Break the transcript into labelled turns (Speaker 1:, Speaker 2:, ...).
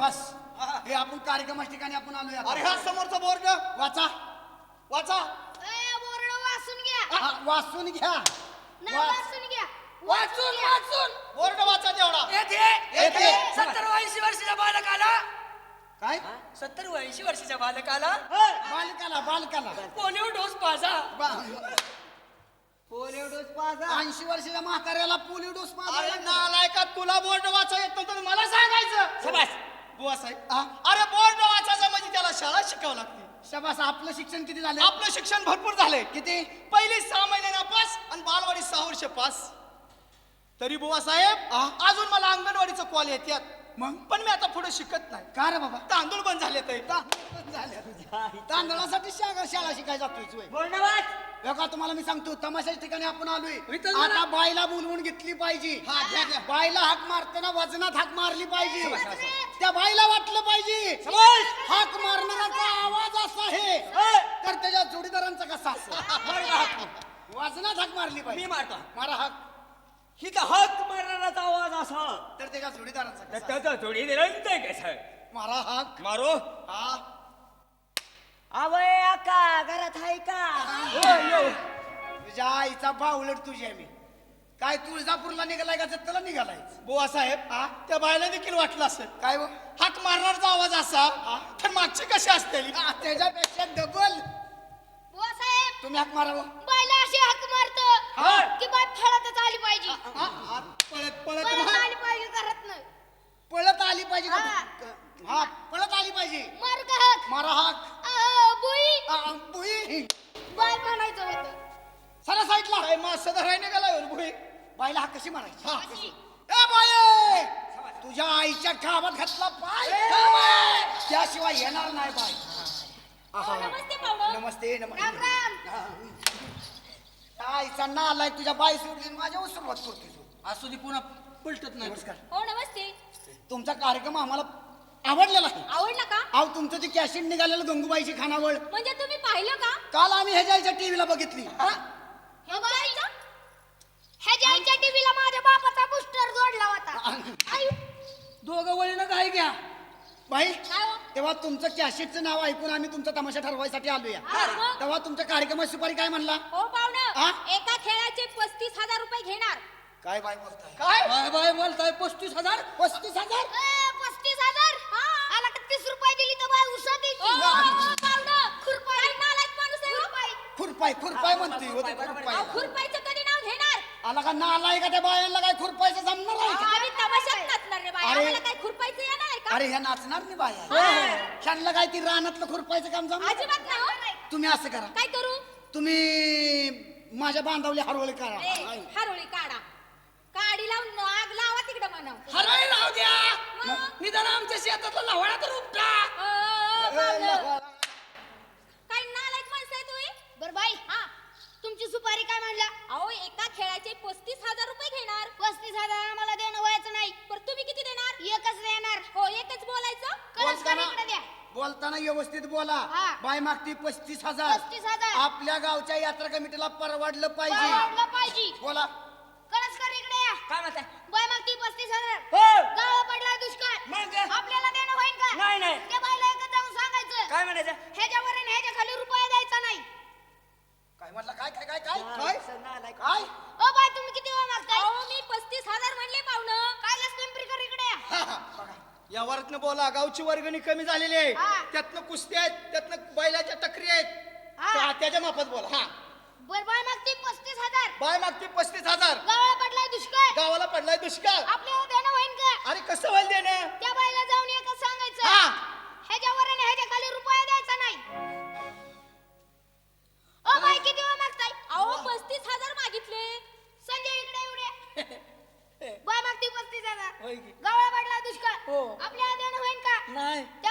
Speaker 1: बस हे आपण कार्यक्रमाच्या ठिकाणी आपण आलोय आता.
Speaker 2: अरे हा समोरचा बोर्ड
Speaker 1: वाचा
Speaker 2: वाचा.
Speaker 3: बोर्ड वाचून घ्या.
Speaker 1: वाचून घ्या.
Speaker 3: वाचून घ्या.
Speaker 4: वाचून वाचून
Speaker 2: बोर्ड वाचा तेवढा.
Speaker 1: येते.
Speaker 4: 70-80 वर्षाच्या बालकाला
Speaker 1: काय
Speaker 4: 70-80 वर्षाच्या बालकाला
Speaker 1: बालकाला
Speaker 4: पोलिओ डोस पाजा.
Speaker 1: पोलिओ डोस पाजा. 80 वर्षाच्या म्हाताऱ्याला पोलिओ डोस
Speaker 2: अरे
Speaker 1: पाजा.
Speaker 2: नालायका तुला बोर्ड वाचा येत नव्हतं मला सांगायचं.
Speaker 4: शाबास.
Speaker 2: बुवा साहेब
Speaker 1: हा?
Speaker 2: अरे बोर्ड वाचायचं म्हणजे त्याला शाळा शिकावं लागते.
Speaker 1: शाबास. आपलं शिक्षण किती झालं?
Speaker 2: आपलं शिक्षण भरपूर झालंय.
Speaker 1: किती?
Speaker 2: पहिली 6 महिने नापास आणि बालवाडी 6 वर्ष पास. तरी बुवा साहेब अजून मला अंगणवाडीचं कॉल येतात.
Speaker 1: मग
Speaker 2: पण मी आता पुढे शिकत नाही.
Speaker 1: का रे बाबा?
Speaker 2: तांदूळ बंद झाले ते.
Speaker 1: तांदळासाठी शाळा शिकायला जातोय.
Speaker 4: बोल वाच.
Speaker 1: बघा तुम्हाला मी सांगतो तमाशाच्या ठिकाणी आपण आलोय.
Speaker 4: इथं जरा-
Speaker 1: आता बायला बोलवून घेतली पाहिजे.
Speaker 2: हा, घ्या.
Speaker 1: बायला हाक मारताना वजनात हाक मारली पाहिजे. त्या बाईला वाटलं पाहिजे
Speaker 4: समज.
Speaker 1: हाक मारणाराचा आवाज असा आहे तर त्याच्या जोडीदारांचा कसा असेल. वजनात हाक मारली
Speaker 4: मी
Speaker 1: पाहिजे.
Speaker 4: मारतो.
Speaker 1: मारा हाक.
Speaker 4: ही तर हक मारणाराचा आवाज असा
Speaker 1: तर त्याच्या जोडीदारांचा
Speaker 4: तर
Speaker 1: कसा.
Speaker 4: त्याचा थोडी निरंत कसं
Speaker 1: मारा हाक.
Speaker 4: मारो.
Speaker 1: हा.
Speaker 4: आवय आका घरात आहे का?
Speaker 1: तुझ्या आईचा बावलट तुझी आहे मी. काय तुळजापूरला निघालाय का जत्तला निघालाय?
Speaker 2: बुवा साहेब त्या बायला देखील वाटलं असेल
Speaker 1: काय हो?
Speaker 2: हाक मारणारचा आवाज असा तर मागची कशी असते.
Speaker 1: त्याच्यापेक्षा डबल
Speaker 3: साहेब
Speaker 1: तुम्ही हाक मारावं.
Speaker 3: बायला अशी हाक
Speaker 1: हा.
Speaker 3: मारतो की बाय फळतच आली पाहिजे.
Speaker 1: पळत पळत
Speaker 3: फळत आली पाहिजे घरात नाही.
Speaker 1: पळत आली पाहिजे का?
Speaker 3: हा.
Speaker 1: हा पळत आली पाहिजे.
Speaker 3: मार का हाक.
Speaker 1: मारा हाक.
Speaker 3: बुई
Speaker 1: बुई
Speaker 3: बाय म्हणायचं होतं.
Speaker 1: सरा साईडला.
Speaker 2: काय मासा धरायला गेला भुई.
Speaker 1: बाईला हाक कशी मारायची?
Speaker 3: अशी.
Speaker 1: ए बाई तुझ्या आईच्या गावात घातला पाय त्याशिवाय येणार नाही बाई.
Speaker 3: नमस्ते पाहुणं.
Speaker 1: नमस्ते
Speaker 3: राम
Speaker 1: नमस्ते.
Speaker 3: राम.
Speaker 1: आईचा नालाय तुझ्या बाई सोडली आणि माझ्या सुरुवात करते.
Speaker 4: असू दे पुन्हा पलटत नाही.
Speaker 1: नमस्कार.
Speaker 3: हो नमस्ते.
Speaker 1: तुमचा कार्यक्रम आम्हाला आवडलेला आहे.
Speaker 3: आवडला का?
Speaker 1: अहो तुमचं ते कॅसेट निघालेलं गंगूबाईची खानावळ
Speaker 3: म्हणजे तुम्ही पाहिलं का?
Speaker 1: काल आम्ही ह्याच्या टीव्हीला बघितली.
Speaker 3: ह्याच्या आईच्या टीव्हीला माझ्या बापाचा बुस्टर जोडला होता. आई,
Speaker 4: दोघं वळीनं काय घ्या.
Speaker 1: बाई
Speaker 3: काय हो?
Speaker 1: तेव्हा तुमचं कॅसेटचं नाव ऐकून आम्ही तुमचा तमाशा ठरवायसाठी आलोय.
Speaker 3: हा, मग?
Speaker 1: तेव्हा तुमच्या कार्यक्रमाची सुपारी काय म्हणला?
Speaker 3: हो पाहुणं,
Speaker 1: हा?
Speaker 3: एका खेळाचे 35,000 रुपये घेणार.
Speaker 1: काय बाई बोलताय?
Speaker 2: काय
Speaker 4: बाय बाय बोलताय 35,000.
Speaker 1: 35,000.
Speaker 3: 35,000? आला का 30 रुपये दिली तर बाय उसा देते. पाहुणं, खुरपाई नालायक माणूस आहे हो.
Speaker 1: खुरपाय म्हणते होते खुरपाय.
Speaker 3: अहो, खुरपाईचं कधी नाव घेणार?
Speaker 1: आला का नालाय का त्या बायांना काय खुरपायचं जमणार आहे का?
Speaker 3: आम्ही तमाशात नाचणार रे बाय.
Speaker 1: अरे.
Speaker 3: आम्हाला काय खुरपाईचं येणार आहे का?
Speaker 1: अरे ह्या नाचणार नाही बाया. त्यांना काय ती रानातलं खुरपायचं काम जमणार?
Speaker 3: अजिबात नाही हो.
Speaker 1: तुम्ही असं करा.
Speaker 3: काय करू?
Speaker 1: तुम्ही माझ्या बांधावली हरवले करा.
Speaker 3: हरोळी काढा. काडी लावून आग लावा तिकडं म्हणाव.
Speaker 4: हराय राहू द्या.
Speaker 3: मग?
Speaker 4: निदान आमच्या शेतातला लवळा तर उपटा.
Speaker 3: पाहुणं. काय नालायक माणसं आहे तुम्ही? बरं बाई, हा तुमची सुपारी काय म्हणला? अहो एका खेळाचे 35,000 रुपये घेणार. 35,000 आम्हाला देणं व्हायचं नाही. पण तुम्ही किती देणार? एकच देणार. हो एकच बोलायचं.
Speaker 1: बोलताना
Speaker 3: द्या.
Speaker 1: बोलताना व्यवस्थित बोला.
Speaker 3: हा.
Speaker 1: बाय मागती 35,000.
Speaker 3: 35,000.
Speaker 1: आपल्या गावच्या यात्रा कमिटीला परवडलं पाहिजे.
Speaker 3: वाढलं पाहिजे.
Speaker 1: बोला.
Speaker 3: कळसकर इकडे या.
Speaker 4: काय म्हणताय?
Speaker 3: बाय मागती 35,000.
Speaker 4: हो.
Speaker 3: गावा पडला दुष्काळ.
Speaker 4: मग?
Speaker 3: आपल्याला देणं होईल का?
Speaker 4: नाही नाही.
Speaker 3: त्या बाईला एकच जाऊन सांगायचं.
Speaker 4: काय म्हणायचं?
Speaker 3: ह्याच्यावर आणि ह्याच्या खाली रुपया द्यायचा नाही.
Speaker 1: काय म्हटलं? काय काय काय काय काय काय?
Speaker 3: ओ बाय तुम्ही किती वेळ मागताय? अहो मी 35,000 म्हणले पाहुणं. काय पिंपरीकर इकडे या.
Speaker 2: या वरातनं बोला गावची वर्गणी कमी झालेली आहे.
Speaker 3: हा.
Speaker 2: त्यातनं कुस्त्या आहेत त्यातनं बैलाच्या टकरी आहेत.
Speaker 3: हा.
Speaker 2: त्याच्या मापात बोला. हा
Speaker 3: बर बाय मागती 35,000.
Speaker 2: बाय मागती 35,000.
Speaker 3: गावाला पडलाय दुष्काळ.
Speaker 2: गावाला पडलाय दुष्काळ.
Speaker 3: आपल्याला देणं होईल का?
Speaker 2: अरे कसं व्हायला देणं?
Speaker 3: त्या बाईला जाऊन एकच सांगायचं.
Speaker 2: हा.
Speaker 3: ह्याच्यावर आणि ह्याच्या खाली रुपया द्यायचा नाही. ओ बाई किती वेळ मागताय? अहो 35,000 मागितले. संजय इकडे एवढे. बाय मागती 35,000.
Speaker 4: होय की.
Speaker 3: गावाला पडलाय दुष्काळ.
Speaker 4: हो.
Speaker 3: आपल्याला देणं होईल का?
Speaker 4: नाही.